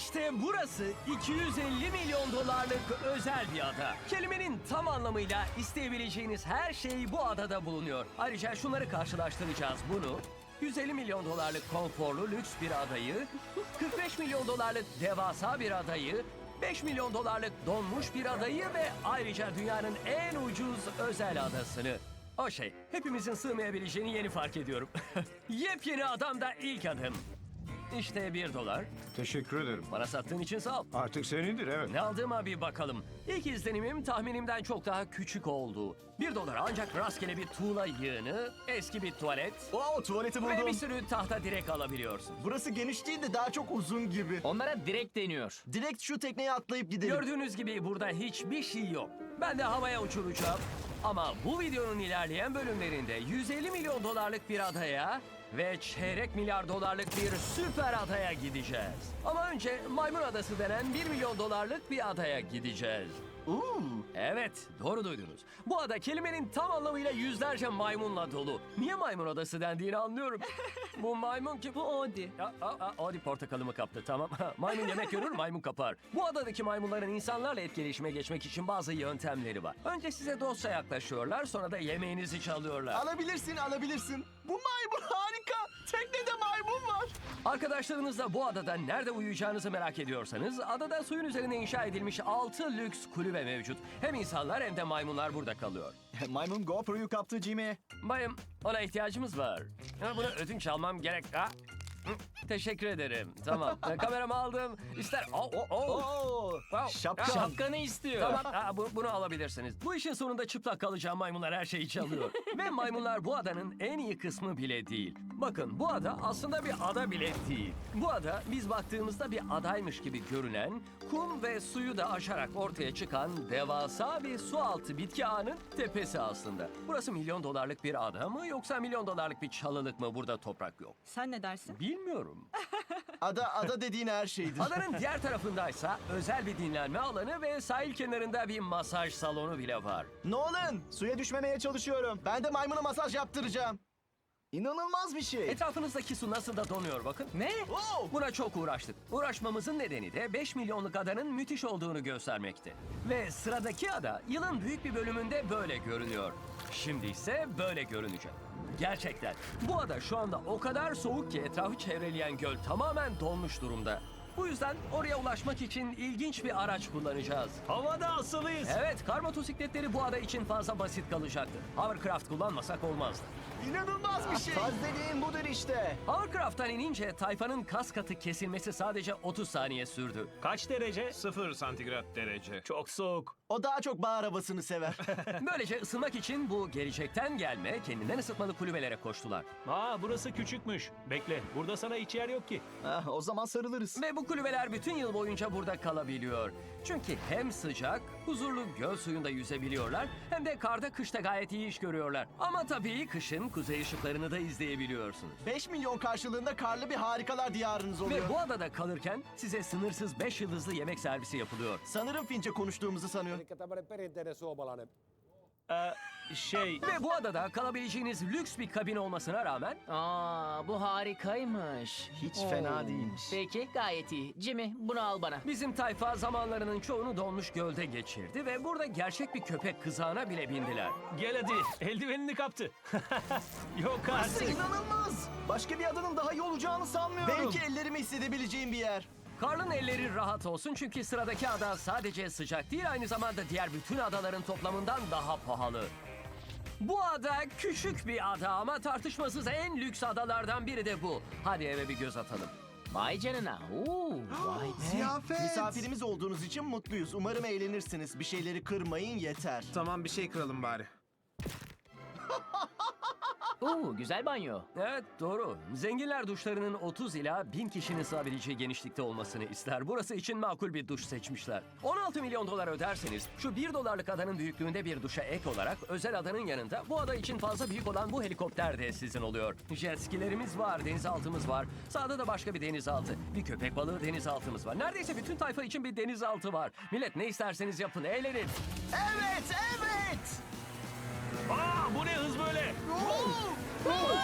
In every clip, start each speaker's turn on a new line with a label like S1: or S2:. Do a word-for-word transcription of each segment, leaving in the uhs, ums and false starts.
S1: İşte burası iki yüz elli milyon dolarlık özel bir ada. Kelimenin tam anlamıyla isteyebileceğiniz her şey bu adada bulunuyor. Ayrıca şunları karşılaştıracağız bunu. yüz elli milyon dolarlık konforlu lüks bir adayı, kırk beş milyon dolarlık devasa bir adayı, beş milyon dolarlık donmuş bir adayı ve ayrıca dünyanın en ucuz özel adasını. O şey, hepimizin sığmayabileceğini yeni fark ediyorum. Yepyeni adamda ilk adım. İşte bir dolar.
S2: Teşekkür ederim.
S1: Bana sattığın için sağ ol.
S2: Artık senindir, evet.
S1: Ne aldığıma bir bakalım. İlk izlenimim tahminimden çok daha küçük oldu. Bir dolar ancak rastgele bir tuğla yığını, eski bir tuvalet
S3: Oo, tuvaleti
S1: ve bir
S3: buldum.
S1: sürü tahta direk alabiliyorsun.
S3: Burası geniş değil de daha çok uzun gibi.
S4: Onlara direkt deniyor.
S3: Direkt şu tekneye atlayıp gidelim.
S1: Gördüğünüz gibi burada hiçbir şey yok. Ben de havaya uçuracağım. Ama bu videonun ilerleyen bölümlerinde yüz elli milyon dolarlık bir adaya ve çeyrek milyar dolarlık bir süper adaya gideceğiz. Ama önce Maymun Adası denen bir milyon dolarlık bir adaya gideceğiz.
S3: Uuu.
S1: Evet, doğru duydunuz. Bu ada kelimenin tam anlamıyla yüzlerce maymunla dolu. Niye maymun adası dendiğini anlıyorum. Bu maymun ki... Bu Odi. Aa, aa, Odi portakalımı kaptı, tamam. Maymun yemek görür, maymun kapar. Bu adadaki maymunların insanlarla etkileşime geçmek için bazı yöntemleri var. Önce size dostça yaklaşıyorlar, sonra da yemeğinizi çalıyorlar.
S3: Alabilirsin, alabilirsin. Bu maymun harika. Teknede maymun var.
S1: Arkadaşlarınızla bu adada nerede uyuyacağınızı merak ediyorsanız, adada suyun üzerine inşa edilmiş altı lüks kulübe mevcut. Hem insanlar hem de maymunlar burada kalıyor.
S3: Maymun GoPro'yu kaptı Jimmy.
S1: Bayım, ona ihtiyacımız var. Ha, bunu ödünç almam gerek. Ha? Hı, teşekkür ederim. Tamam. Ha, kameramı aldım. İster... Oh, oh, oh.
S3: Oo.
S1: Wow.
S3: Şapka.
S1: Ha,
S4: Şapkanı istiyor.
S1: Tamam, ha, bu- bunu alabilirsiniz. Bu işin sonunda çıplak kalacağım maymunlar her şeyi çalıyor. Ve maymunlar bu adanın en iyi kısmı bile değil. Bakın, bu ada aslında bir ada bile değil. Bu ada biz baktığımızda bir adaymış gibi görünen, kum ve suyu da aşarak ortaya çıkan devasa bir sualtı bitki ağının tepesi aslında. Burası milyon dolarlık bir ada mı yoksa milyon dolarlık bir çalılık mı, burada toprak yok?
S5: Sen ne dersin?
S1: Bilmiyorum.
S3: Ada, ada dediğin her şeydir.
S1: Adanın diğer tarafındaysa özel bir dinlenme alanı ve sahil kenarında bir masaj salonu bile var.
S3: Nolan, suya düşmemeye çalışıyorum. Ben de maymuna masaj yaptıracağım. İnanılmaz bir şey.
S1: Etrafınızdaki su nasıl da donuyor bakın.
S4: Ne?
S3: Wow.
S1: Buna çok uğraştık. Uğraşmamızın nedeni de beş milyonluk adanın müthiş olduğunu göstermekti. Ve sıradaki ada yılın büyük bir bölümünde böyle görünüyor. Şimdi ise böyle görünecek. Gerçekten. Bu ada şu anda o kadar soğuk ki etrafı çevreleyen göl tamamen donmuş durumda. Bu yüzden oraya ulaşmak için ilginç bir araç kullanacağız.
S6: Havada asılıyız.
S1: Evet, kar motosikletleri bu ada için fazla basit kalacaktı. Hovercraft kullanmasak olmazdı.
S3: İnanılmaz bir şey. Faz dediğin budur işte.
S1: Hovercraft'tan inince tayfanın kas katı kesilmesi sadece otuz saniye sürdü.
S6: Kaç derece?
S2: Sıfır santigrat derece.
S6: Çok soğuk.
S3: O daha çok bağ arabasını sever.
S1: Böylece ısınmak için bu gelecekten gelme, kendinden ısıtmalı kulübelere koştular.
S6: Aa, burası küçükmüş. Bekle, burada sana hiç yer yok ki.
S3: Ah, o zaman sarılırız.
S1: Ve bu kulübeler bütün yıl boyunca burada kalabiliyor. Çünkü hem sıcak, huzurlu göl suyunda yüzebiliyorlar, hem de karda kışta gayet iyi iş görüyorlar. Ama tabii kışın kuzey ışıklarını da izleyebiliyorsunuz.
S3: beş milyon karşılığında karlı bir harikalar diyarınız oluyor.
S1: Ve bu adada kalırken size sınırsız beş yıldızlı yemek servisi yapılıyor.
S3: Sanırım Fince konuştuğumuzu sanıyor.
S7: Eli tämmöinen perinteinen suomalainen.
S6: Ee, şey...
S1: Ve bu adada kalabileceğiniz lüks bir kabin olmasına rağmen
S4: Aa, bu harikaymış.
S3: Hiç fena değilmiş.
S4: Peki, gayet iyi. Jimmy, bunu al bana.
S1: bizim tayfa zamanlarının çoğunu donmuş gölde geçirdi ve burada gerçek bir köpek kızağına bile bindiler.
S6: Gel hadi, eldivenini kaptı. Yok
S3: Burası
S6: artık.
S3: inanılmaz. Başka bir adanın daha iyi olacağını sanmıyorum. Belki ellerimi hissedebileceğim bir yer.
S1: Karl'ın elleri rahat olsun çünkü sıradaki ada sadece sıcak değil, aynı zamanda diğer bütün adaların toplamından daha pahalı. Bu ada küçük bir ada ama tartışmasız en lüks adalardan biri de bu. Hadi eve bir göz atalım.
S4: Vay canına. Oo, vay be.
S8: Ziyafet.
S3: Misafirimiz olduğunuz için mutluyuz. Umarım eğlenirsiniz. Bir şeyleri kırmayın yeter.
S8: Tamam, bir şey kıralım bari.
S4: Oo, güzel banyo.
S1: Evet, doğru. Zenginler duşlarının otuz ila bin kişinin sığabileceği genişlikte olmasını ister. Burası için makul bir duş seçmişler. on altı milyon dolar öderseniz şu bir dolarlık adanın büyüklüğünde bir duşa ek olarak özel adanın yanında bu ada için fazla büyük olan bu helikopter de sizin oluyor. Jet skilerimiz var, denizaltımız var. Sağda da başka bir denizaltı. Bir köpek balığı denizaltımız var. Neredeyse bütün tayfa için bir denizaltı var. Millet, ne isterseniz yapın, eğlenin.
S3: Evet, evet.
S6: Aa, bu ne hız böyle?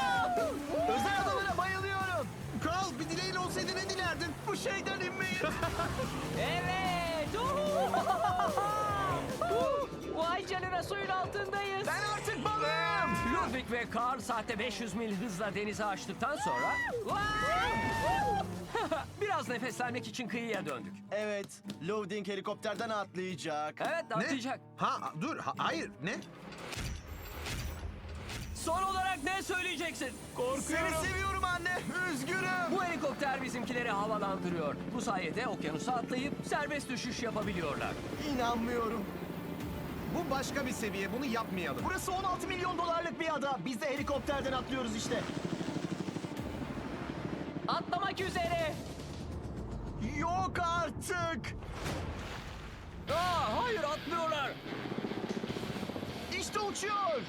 S3: Özel adalara bayılıyorum.
S8: Kral, bir dileğin olsaydı ne dilerdin?
S3: Bu şeyden inmeyin.
S1: Trafik ve Carl saatte beş yüz mil hızla denize açtıktan sonra biraz nefeslenmek için kıyıya döndük.
S3: Evet, loading helikopterden atlayacak.
S1: Evet, atlayacak.
S5: Ha dur ha- hayır ne?
S1: Son olarak ne söyleyeceksin?
S3: Seni seviyorum anne, üzgünüm.
S1: Bu helikopter bizimkileri havalandırıyor. Bu sayede okyanusa atlayıp serbest düşüş yapabiliyorlar.
S3: İnanmıyorum.
S5: Bu başka bir seviye, bunu yapmayalım.
S3: Burası on altı milyon dolarlık bir ada. Biz de helikopterden atlıyoruz işte.
S4: Atlamak üzere.
S3: Yok artık.
S1: Aa, hayır atlıyorlar.
S3: İşte uçuyor.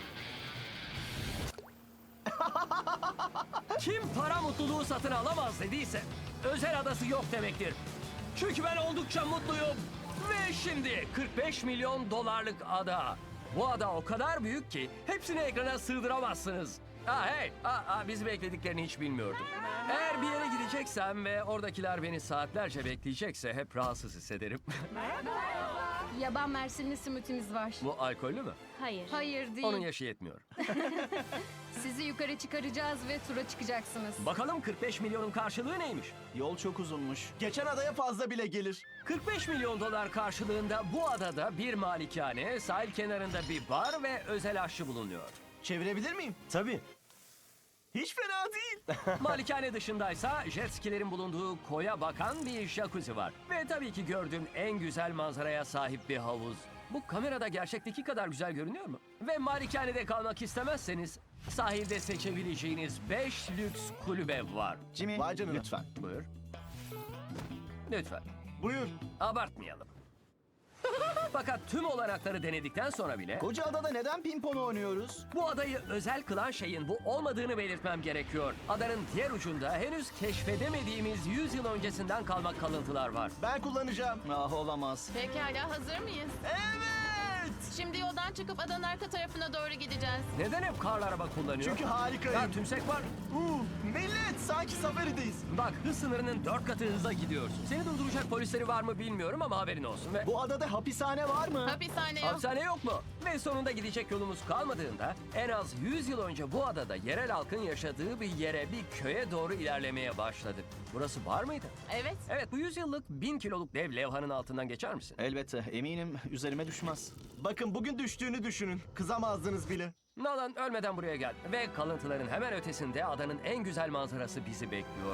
S1: Kim para mutluluğu satın alamaz dediyse özel adası yok demektir. Çünkü ben oldukça mutluyum. Ve şimdi kırk beş milyon dolarlık ada. Bu ada o kadar büyük ki hepsini ekrana sığdıramazsınız. Aa hey, aa, aa, bizi beklediklerini hiç bilmiyordum. Eğer bir yere gideceksem ve oradakiler beni saatlerce bekleyecekse hep rahatsız hissederim.
S8: Yaban mersinli simütümüz var.
S1: Bu alkollü mü?
S8: Hayır. Hayır değil.
S1: Onun yaşı yetmiyor.
S8: Sizi yukarı çıkaracağız ve tura çıkacaksınız.
S1: Bakalım kırk beş milyonun karşılığı neymiş?
S3: Yol çok uzunmuş. Geçen adaya fazla bile gelir.
S1: kırk beş milyon dolar karşılığında bu adada bir malikane, sahil kenarında bir bar ve özel aşçı bulunuyor.
S3: Çevirebilir miyim? Tabii. Hiç fena değil.
S1: Malikane dışındaysa jet skilerin bulunduğu koya bakan bir jacuzzi var. Ve tabii ki gördüğüm en güzel manzaraya sahip bir havuz. Bu kamerada gerçekteki kadar güzel görünüyor mu? Ve malikanede kalmak istemezseniz sahilde seçebileceğiniz beş lüks kulübe var.
S3: Jimmy,
S5: Vay canına.
S3: lütfen.
S1: Buyur. Lütfen.
S3: Buyur.
S1: Abartmayalım. Fakat tüm olanakları denedikten sonra bile
S3: Koca adada neden pimpon oynuyoruz?
S1: bu adayı özel kılan şeyin bu olmadığını belirtmem gerekiyor. Adanın diğer ucunda henüz keşfedemediğimiz yüz yıl öncesinden kalma kalıntılar var.
S3: Ben kullanacağım. Ah olamaz.
S9: Pekala, hazır mıyız?
S3: Evet.
S9: Şimdi yoldan çıkıp adanın arka tarafına doğru gideceğiz.
S1: Neden hep karlı araba kullanıyor?
S3: Çünkü harikayım.
S1: Ya tümsek var.
S3: Uh, millet sanki safarideyiz.
S1: Bak hız sınırının dört katı hıza gidiyorsun. Seni durduracak polisleri var mı bilmiyorum ama haberin olsun. Ve
S3: Bu adada hapishane var mı?
S9: Hapishane yok.
S1: hapishane yok mu? Ve sonunda gidecek yolumuz kalmadığında en az yüz yıl önce bu adada yerel halkın yaşadığı bir yere, bir köye doğru ilerlemeye başladık. Burası var mıydı?
S9: Evet.
S1: Evet, bu yüz yıllık bin kiloluk dev levhanın altından geçer misin?
S3: Elbette. Eminim üzerime düşmez. Bakın bugün düştüğünü düşünün. Kızamazdınız bile.
S1: Nolan ölmeden buraya gel. Ve kalıntıların hemen ötesinde adanın en güzel manzarası bizi bekliyor.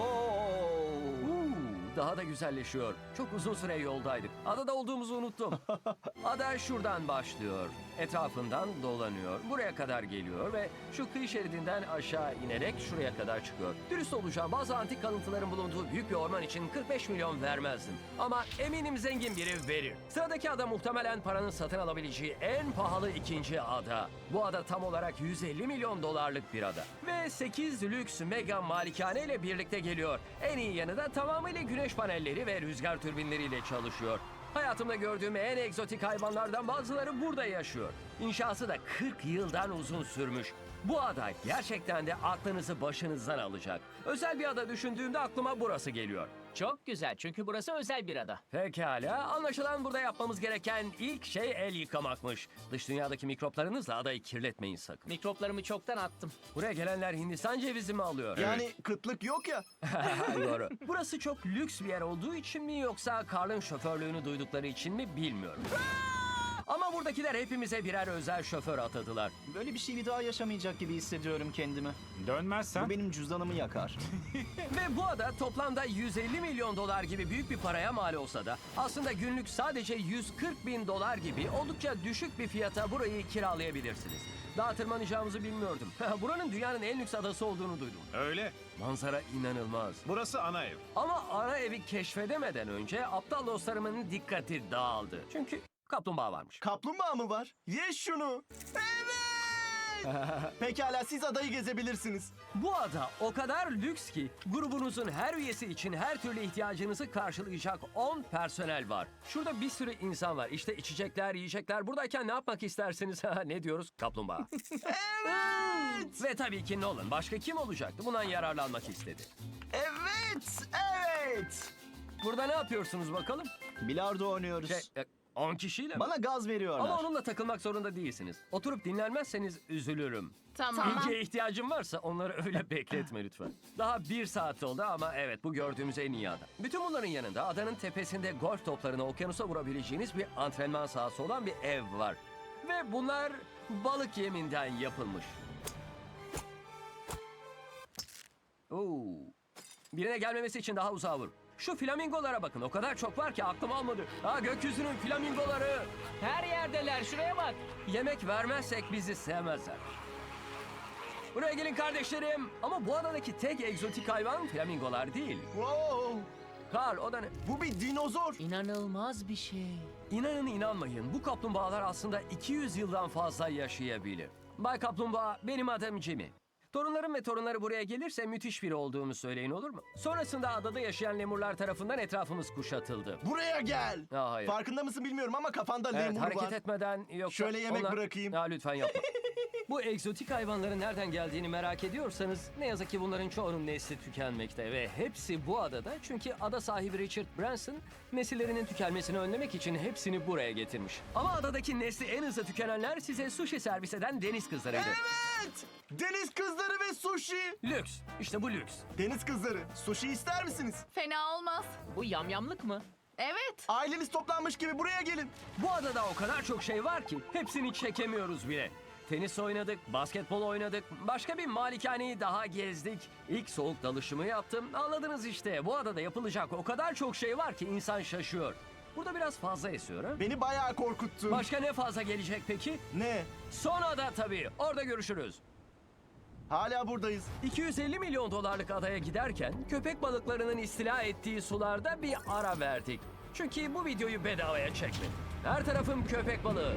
S1: Uuu, daha da güzelleşiyor. Çok uzun süre yoldaydık. Adada olduğumuzu unuttum. Ada şuradan başlıyor. Etrafından dolanıyor. Buraya kadar geliyor ve şu kıyı şeridinden aşağı inerek şuraya kadar çıkıyor. Dürüst olacağım, bazı antik kalıntıların bulunduğu büyük bir orman için kırk beş milyon vermezdim. Ama eminim zengin biri verir. Sıradaki ada muhtemelen paranın satın alabileceği en pahalı ikinci ada. Bu ada tam olarak yüz elli milyon dolarlık bir ada. Ve sekiz lüks mega malikane ile birlikte geliyor. En iyi yanı da tamamıyla güneş panelleri ve rüzgar türbinleriyle çalışıyor. Hayatımda gördüğüm en egzotik hayvanlardan bazıları burada yaşıyor. İnşası da kırk yıldan uzun sürmüş. Bu ada gerçekten de aklınızı başınızdan alacak. Özel bir ada düşündüğümde aklıma burası geliyor.
S4: Çok güzel çünkü burası özel bir ada.
S1: Pekala, anlaşılan burada yapmamız gereken ilk şey el yıkamakmış. Dış dünyadaki mikroplarınızla adayı kirletmeyin sakın.
S4: Mikroplarımı çoktan attım.
S1: Buraya gelenler Hindistan cevizi mi alıyor?
S3: Yani kıtlık yok ya.
S1: Doğru. Burası çok lüks bir yer olduğu için mi yoksa Carl'ın şoförlüğünü duydukları için mi bilmiyorum. Ama buradakiler hepimize birer özel şoför atadılar.
S3: Böyle bir şey bir daha yaşamayacak gibi hissediyorum kendimi.
S2: Dönmezsen
S3: Bu benim cüzdanımı yakar.
S1: Ve bu ada toplamda yüz elli milyon dolar gibi büyük bir paraya mal olsa da aslında günlük sadece yüz kırk bin dolar gibi oldukça düşük bir fiyata burayı kiralayabilirsiniz. Daha tırmanacağımızı bilmiyordum. Buranın dünyanın en lüks adası olduğunu duydum.
S2: öyle.
S1: Manzara inanılmaz.
S2: Burası ana ev.
S1: Ama ana evi keşfedemeden önce aptal dostlarımın dikkati dağıldı. Çünkü kaplumbağa varmış.
S3: Kaplumbağa mı var? Ye şunu. Evet. Pekala siz adayı gezebilirsiniz.
S1: Bu ada o kadar lüks ki grubunuzun her üyesi için her türlü ihtiyacınızı karşılayacak on personel var. Şurada bir sürü insan var. İşte içecekler, yiyecekler. Buradayken ne yapmak istersiniz? Ne diyoruz? Kaplumbağa.
S3: Evet.
S1: Ve tabii ki Nolan. Başka kim olacaktı? Bundan yararlanmak istedi.
S3: Evet. Evet.
S1: Burada ne yapıyorsunuz bakalım?
S3: Bilardo oynuyoruz.
S1: Şey, e, on kişiyle mi?
S3: Bana gaz veriyorlar.
S1: Ama onunla takılmak zorunda değilsiniz. Oturup dinlenmezseniz üzülürüm.
S9: Tamam.
S1: İlgiye ihtiyacım varsa onları öyle bekletme lütfen. Daha bir saat oldu ama evet bu gördüğümüz en iyi ada. Bütün bunların yanında adanın tepesinde golf toplarını okyanusa vurabileceğiniz bir antrenman sahası olan bir ev var. Ve bunlar balık yeminden yapılmış. Oo. Birine gelmemesi için daha uzağa vur. Şu flamingolara bakın. O kadar çok var ki aklım almadı. Ha, gökyüzünün flamingoları.
S4: Her yerdeler, şuraya bak.
S1: Yemek vermezsek bizi sevmezler. Buraya gelin kardeşlerim. Ama bu adadaki tek egzotik hayvan flamingolar değil.
S3: Wow.
S1: Karl, o da ne?
S3: Bu bir dinozor.
S4: İnanılmaz bir şey.
S1: İnanın inanmayın, bu kaplumbağalar aslında iki yüz yıldan fazla yaşayabilir. Bay Kaplumbağa, benim adım Jimmy. Torunlarım ve torunları buraya gelirse müthiş biri olduğumu söyleyin, olur mu? Sonrasında adada yaşayan lemurlar tarafından etrafımız kuşatıldı.
S3: Buraya gel.
S1: Ya hayır.
S3: Farkında mısın bilmiyorum ama kafanda
S1: Evet,
S3: lemur
S1: hareket
S3: var.
S1: etmeden yoksa...
S3: Şöyle yemek bırakayım.
S1: Ya lütfen yapma. Bu egzotik hayvanların nereden geldiğini merak ediyorsanız ne yazık ki bunların çoğunun nesli tükenmekte ve hepsi bu adada, çünkü ada sahibi Richard Branson nesillerinin tükenmesini önlemek için hepsini buraya getirmiş. Ama adadaki nesli en hızlı tükenenler size sushi servis eden deniz kızlarıydı.
S3: Evet. Deniz kızları ve sushi.
S1: Lüks. İşte bu lüks.
S3: Deniz kızları. Sushi ister misiniz?
S9: Fena olmaz.
S4: Bu yamyamlık mı?
S9: Evet.
S3: Aileniz toplanmış gibi buraya gelin.
S1: Bu adada o kadar çok şey var ki hepsini çekemiyoruz bile. Tenis oynadık, basketbol oynadık, başka bir malikaneyi daha gezdik. İlk soğuk dalışımı yaptım. Anladınız işte, bu adada yapılacak o kadar çok şey var ki insan şaşıyor. Burada biraz fazla esiyor ha?
S3: Beni bayağı korkuttun.
S1: Başka ne fazla gelecek peki?
S3: Ne?
S1: Son ada tabii, orada görüşürüz.
S3: Hala buradayız.
S1: iki yüz elli milyon dolarlık adaya giderken köpek balıklarının istila ettiği sularda bir ara verdik. Çünkü bu videoyu bedavaya çekmedim. Her tarafım köpek balığı.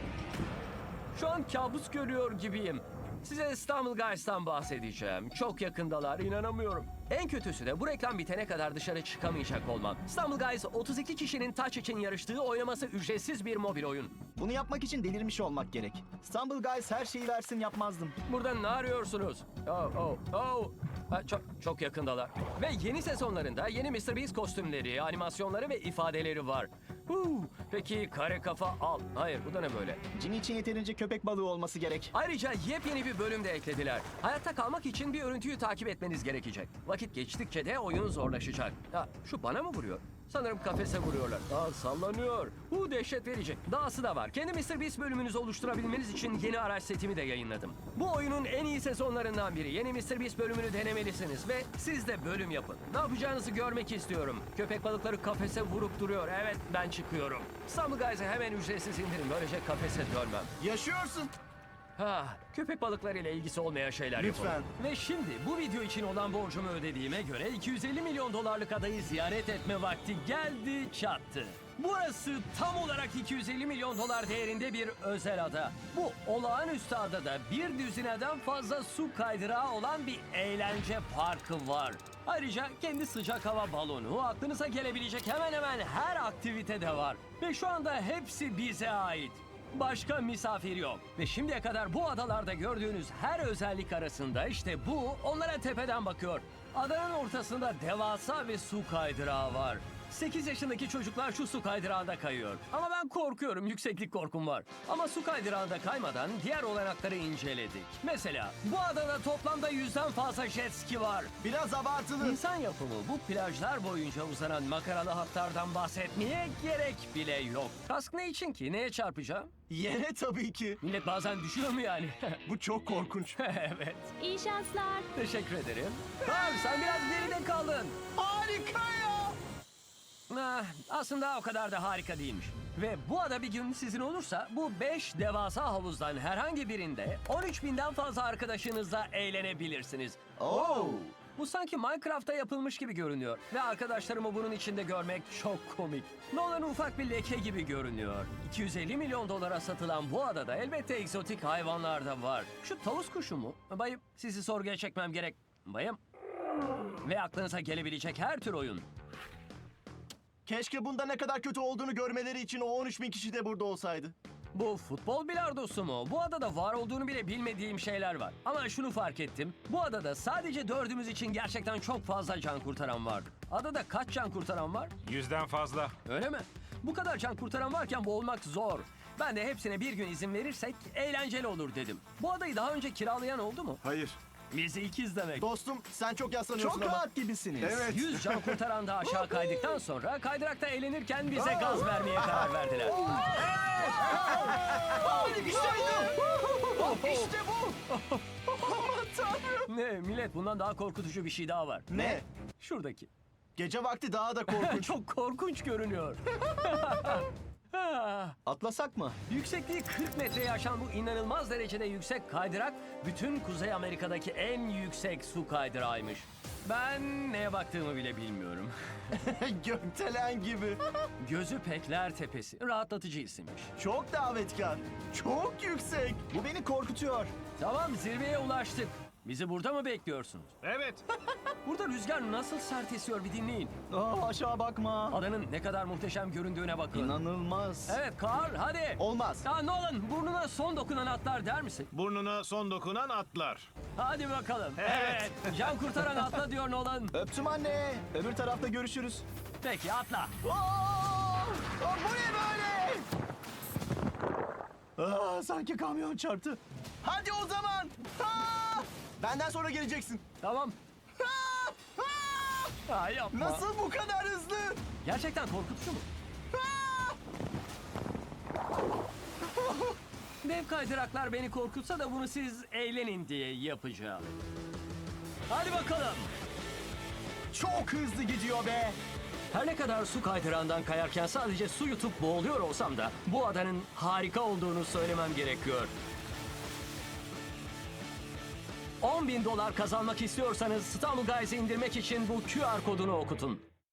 S1: Şu an kabus görüyor gibiyim. Size İstanbul Guys'tan bahsedeceğim. Çok yakındalar, inanamıyorum. En kötüsü de bu reklam bitene kadar dışarı çıkamayacak olmam. İstanbul Guys otuz iki kişinin taç için yarıştığı, oynaması ücretsiz bir mobil oyun.
S3: Bunu yapmak için delirmiş olmak gerek. İstanbul Guys her şeyi versin yapmazdım.
S1: Burada ne arıyorsunuz? Oh, oh, oh. Ha, çok, çok yakındalar. Ve yeni sezonlarında yeni mister Beast kostümleri, animasyonları ve ifadeleri var. Huu, peki kare kafa al. Hayır, bu da ne böyle?
S3: Jimmy için yeterince köpek balığı olması gerek.
S1: Ayrıca yepyeni bir bölüm de eklediler. Hayatta kalmak için bir örüntüyü takip etmeniz gerekecek. Vakit geçtikçe de oyun zorlaşacak. Ha, şu bana mı vuruyor? Sanırım kafese vuruyorlar. Aa, sallanıyor. Bu dehşet verici. Dahası da var. Kendi mister Beast bölümünüzü oluşturabilmeniz için yeni araç setimi de yayınladım. Bu oyunun en iyi sezonlarından biri. Yeni mister Beast bölümünü denemelisiniz ve siz de bölüm yapın. Ne yapacağınızı görmek istiyorum. Köpek balıkları kafese vurup duruyor. Evet, ben çıkıyorum. İstanbul Guys'ı hemen ücretsiz indirin. Böylece kafese dönmem.
S3: Yaşıyorsun.
S1: Ha, köpek balıklarıyla ilgisi olmayan şeyler
S3: Lütfen.
S1: yapalım. Ve şimdi bu video için olan borcumu ödediğime göre iki yüz elli milyon dolarlık adayı ziyaret etme vakti geldi çattı. Burası tam olarak iki yüz elli milyon dolar değerinde bir özel ada. Bu olağanüstü adada bir düzineden fazla su kaydırağı olan bir eğlence parkı var. Ayrıca kendi sıcak hava balonu, aklınıza gelebilecek hemen hemen her aktivite de var. Ve şu anda hepsi bize ait. Başka misafir yok. Ve şimdiye kadar bu adalarda gördüğünüz her özellik arasında işte bu onlara tepeden bakıyor. Adanın ortasında devasa bir su kaydırağı var. sekiz yaşındaki çocuklar şu su kaydırağında kayıyor. Ama ben korkuyorum, yükseklik korkum var. Ama su kaydırağında kaymadan diğer olanakları inceledik. Mesela bu adada toplamda yüzden fazla jet ski var.
S3: Biraz abartılı.
S1: İnsan yapımı bu plajlar boyunca uzanan makaralı hatlardan bahsetmeye gerek bile yok. Kask ne için ki? Neye çarpacağım?
S3: Yere tabii ki.
S1: Millet bazen düşüyor mu yani?
S3: Bu çok korkunç.
S1: Evet.
S9: İyi şanslar.
S1: Teşekkür ederim. Tamam, sen biraz geride kaldın.
S3: Harika ya.
S1: Ah, aslında o kadar da harika değilmiş. Ve bu ada bir gün sizin olursa bu beş devasa havuzdan herhangi birinde on üç binden fazla arkadaşınızla eğlenebilirsiniz.
S3: Oo.
S1: Bu sanki Minecraft'ta yapılmış gibi görünüyor. Ve arkadaşlarımı bunun içinde görmek çok komik. Nolan ufak bir leke gibi görünüyor. iki yüz elli milyon dolara satılan bu adada elbette egzotik hayvanlar da var. Şu tavus kuşu mu? Bayım, sizi sorguya çekmem gerek. Bayım. Ve aklınıza gelebilecek her tür oyun.
S3: Keşke bunda ne kadar kötü olduğunu görmeleri için o on üç bin kişi de burada olsaydı.
S1: Bu futbol bilardosu mu? Bu adada var olduğunu bile bilmediğim şeyler var. Ama şunu fark ettim. Bu adada sadece dördümüz için gerçekten çok fazla can kurtaran vardı. Adada kaç can kurtaran var?
S2: Yüzden fazla.
S1: Öyle mi? Bu kadar can kurtaran varken boğulmak zor. Ben de hepsine bir gün izin verirsek eğlenceli olur dedim. Bu adayı daha önce kiralayan oldu mu?
S2: Hayır.
S1: Bizi ikiz demek.
S3: Dostum sen çok yaslanıyorsun
S10: Çok
S3: ama.
S10: rahat gibisiniz.
S2: Evet.
S1: yüz can kurtaran da aşağı kaydıktan sonra kaydırakta eğlenirken bize gaz vermeye karar verdiler.
S3: İşte bu.
S1: Ne millet, bundan daha korkutucu bir şey daha var.
S3: Ne?
S1: Şuradaki.
S3: Gece vakti daha da korkunç.
S1: Çok korkunç görünüyor. Ah,
S3: Atlasak mı?
S1: Yüksekliği kırk metreye aşan bu inanılmaz derecede yüksek kaydırak bütün Kuzey Amerika'daki en yüksek su kaydırağıymış. Ben neye baktığımı bile bilmiyorum.
S3: Gökdelen gibi.
S1: Gözü Pekler Tepesi. Rahatlatıcı isimmiş.
S3: Çok davetkar. Çok yüksek. Bu beni korkutuyor.
S1: Tamam, zirveye ulaştık. Bizi burada mı bekliyorsunuz?
S2: Evet.
S1: Burada rüzgar nasıl sert esiyor bir dinleyin.
S3: Aa, aşağı bakma.
S1: Adanın ne kadar muhteşem göründüğüne bakın.
S3: İnanılmaz.
S1: Evet Carl, hadi.
S3: Olmaz.
S1: Ya Nolan, burnuna son dokunan atlar der misin?
S2: Burnuna son dokunan atlar.
S1: Hadi bakalım. Evet. Can kurtaran atla diyor Nolan.
S3: Öptüm anne. Öbür tarafta görüşürüz.
S1: Peki atla.
S3: Aa! Aa, bu ne böyle? Aa, sanki kamyon çarptı. Hadi o zaman. Aa! Benden sonra geleceksin.
S1: Tamam.
S3: Aa! Aa!
S1: Ha, yapma.
S3: Nasıl bu kadar hızlı?
S1: Gerçekten korkutucu mu? Dev kaydıraklar beni korkutsa da bunu siz eğlenin diye yapacağım. Hadi bakalım.
S3: Çok hızlı gidiyor be.
S1: Her ne kadar su kaydırağından kayarken sadece su yutup boğuluyor olsam da bu adanın harika olduğunu söylemem gerekiyor. on bin dolar kazanmak istiyorsanız İstanbul Guys'ı indirmek için bu Q R kodunu okutun.